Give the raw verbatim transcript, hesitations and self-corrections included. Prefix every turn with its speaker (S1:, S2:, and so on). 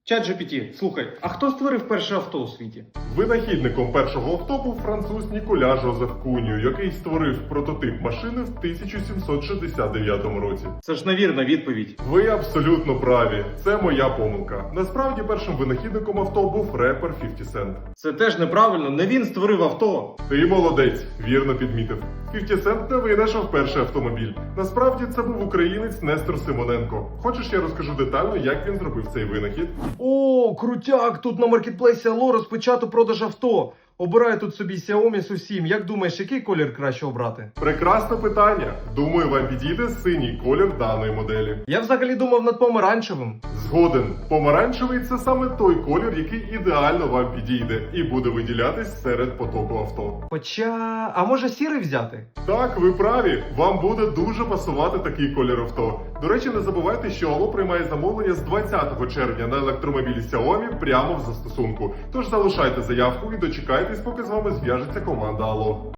S1: ChatGPT, слухай, а хто створив перше авто у світі?
S2: Винахідником першого авто був француз Ніколя Жозеф Куньо, який створив прототип машини в тисяча сімсот шістдесят дев'ятому році.
S1: Це ж невірна відповідь.
S2: Ви абсолютно праві. Це моя помилка. Насправді першим винахідником авто був репер фіфті сент.
S1: Це теж неправильно, не він створив авто.
S2: Ти молодець, вірно підмітив. фіфті сент не винайшов перший автомобіль. Насправді це був українець Нестор Симоненко. Хочеш, я розкажу детально, як він зробив цей винахід?
S1: О, крутяк! Тут на маркетплейсі Allo розпочато продаж авто. Обираю тут собі Xiaomi Су сім. Як думаєш, який колір краще обрати?
S2: Прекрасне питання. Думаю, вам підійде синій колір даної моделі.
S1: Я взагалі думав над помаранчевим.
S2: Згоден. Помаранчевий – це саме той колір, який ідеально вам підійде і буде виділятись серед потоку авто.
S1: Хоча, а може сірий взяти?
S2: Так, ви праві. Вам буде дуже пасувати такий колір авто. До речі, не забувайте, що Allo приймає замовлення з двадцятого червня на електромобілі Xiaomi прямо в застосунку. Тож залишайте заявку і дочекайтесь, поки з вами зв'яжеться команда Allo.